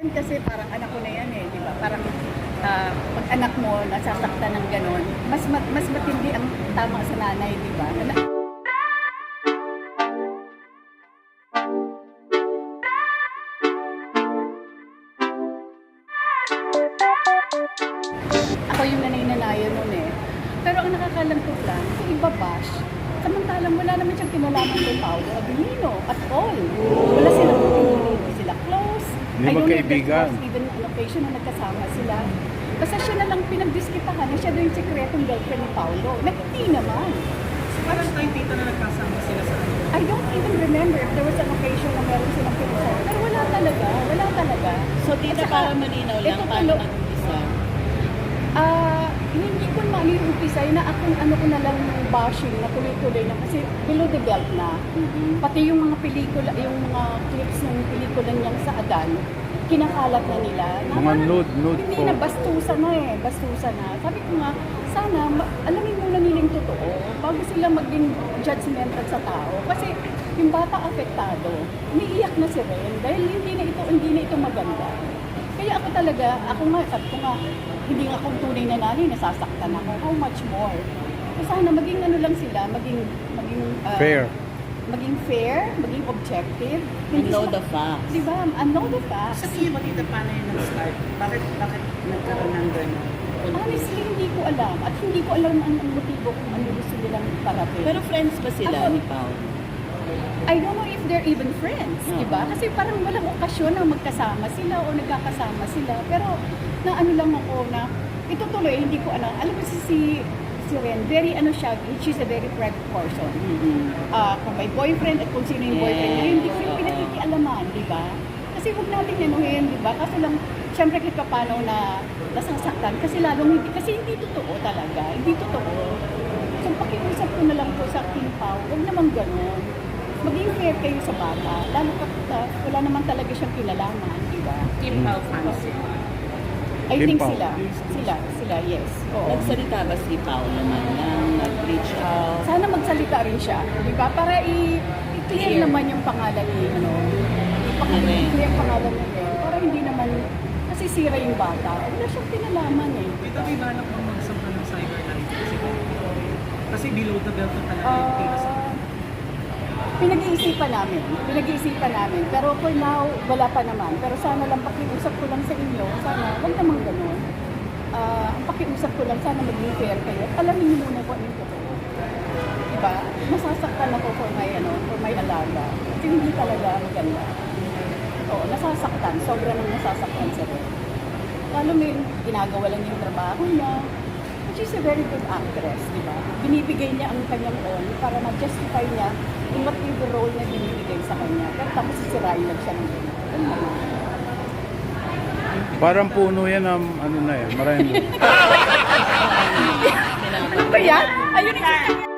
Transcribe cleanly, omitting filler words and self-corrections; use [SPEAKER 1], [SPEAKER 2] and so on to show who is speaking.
[SPEAKER 1] Kasi parang anak ko na yan eh, di ba? Parang pag anak mo nasasaktan ng ganon, mas matindi ang tama sa nanay, di ba? Ako yung nanay-nanayan nun eh. Pero ang nakakalangkot lang, yung iba bash, samantalang wala naman siyang kinalaman kay Paolo Abilino at all. Wala silang hindi sila close.
[SPEAKER 2] Hindi
[SPEAKER 1] I don't know if
[SPEAKER 2] magkaibigan.
[SPEAKER 1] there was even an occasion na nagkasama sila. Basta siya na lang pinagdiskitahan na siya daw yung sekretong girlfriend ni Paolo. Na hindi naman.
[SPEAKER 3] Parang tayo dito na nagkasama sila sa ano.
[SPEAKER 1] I don't even remember if there was an occasion na meron silang pinasama. Pero wala talaga.
[SPEAKER 4] So, tita,
[SPEAKER 1] At saka,
[SPEAKER 4] para malinaw lang,
[SPEAKER 1] ito
[SPEAKER 4] paano
[SPEAKER 1] tulo-
[SPEAKER 4] nag-umpisa?
[SPEAKER 1] Hindi ko na yung umpisay na akong ano ko na lang yung bashing na tuloy-tuloy na kasi below the belt na. Pati yung mga pelikula, yung mga clips ng pelikula niyang sa Adan, kinakalat na nila. Na
[SPEAKER 2] Mga
[SPEAKER 1] parang
[SPEAKER 2] nude
[SPEAKER 1] Hindi
[SPEAKER 2] photo.
[SPEAKER 1] na, bastusan na eh. Bastusan na. Sabi ko nga, sana alamin muna nila yung totoo bago sila maging judgmental sa tao. Kasi yung bata apektado, umiiyak na si Ren dahil hindi na ito maganda. Kaya ako talaga, sabi ko nga, hindi nga akong tunay na nanay, nasasaktan ako. How much more? So sana maging ano lang sila, maging
[SPEAKER 2] Fair.
[SPEAKER 1] maging fair, maging objective.
[SPEAKER 4] And know
[SPEAKER 1] sila-
[SPEAKER 4] the facts.
[SPEAKER 1] Diba? And know the facts.
[SPEAKER 3] Sa tingin mo dito, paano yun nag-start? Bakit nagkaroon ng gano'n?
[SPEAKER 1] Honestly, hindi ko alam. At hindi ko alam ang motibo kung ano gusto nilang parating.
[SPEAKER 4] Pero friends ba sila
[SPEAKER 1] Ako-
[SPEAKER 4] ni Pao?
[SPEAKER 1] I don't know if they're even friends, di ba? Kasi parang walang okasyon na magkasama sila o nagkakasama sila. Pero na ano lang ako na ito tuloy, hindi ko alam. Alam mo si Ren, very ano siya, she's a very private person. Kung may boyfriend at kung sino yung boyfriend niya, hindi ko yung
[SPEAKER 4] Oo.
[SPEAKER 1] pinagkikialaman, di ba? Kasi huwag natin yanuhin, di ba? Kaso lang, syempre kahit pa paano na nasasaktan, kasi lalong hindi, kasi hindi totoo talaga, hindi totoo. So pakiusap ko na lang po sa King Pao, huwag naman ganun. Maging fair kayo sa bata, lalo wala naman talaga siyang kinalaman, di ba?
[SPEAKER 3] Kim Pao fans.
[SPEAKER 1] I
[SPEAKER 2] King
[SPEAKER 1] think
[SPEAKER 2] Pao.
[SPEAKER 1] sila, yes. Oo.
[SPEAKER 4] Nagsalita ba si Pao naman na nag-reach out?
[SPEAKER 1] Sana magsalita rin siya, di ba? Para i-clear naman yung pangalan ni, i-clear ang pangalan ni Ren, para hindi naman nasisira yung bata. Wala siyang kinalaman eh.
[SPEAKER 3] Dito may balak mong magsampa ng cybercrime kasi below the belt na talaga yung case.
[SPEAKER 1] Pinag-iisipan namin. Pero for now, wala pa naman. Pero sana lang pakiusap ko lang sa inyo, sana, wag naman ganun. Ang pakiusap ko lang, sana maging fair kayo. Alamin niyo muna kung ano yung totoo. Diba? Nasasaktan ako for my alaga. Kasi hindi talaga maganda. Oo, nasasaktan. Sobra nang nasasaktan sa rin. Lalo may ginagawa lang yung trabaho niya. She's a very good actress, di ba? Binibigay niya ang kanyang all para ma-justify niya in whatever role na binibigay sa kanya. Pero tapos sisirain lang siya ng ganyan. Ano naman?
[SPEAKER 2] Parang puno yan ang ano na yan. Maraming
[SPEAKER 1] Ano ba yan? Ayun yung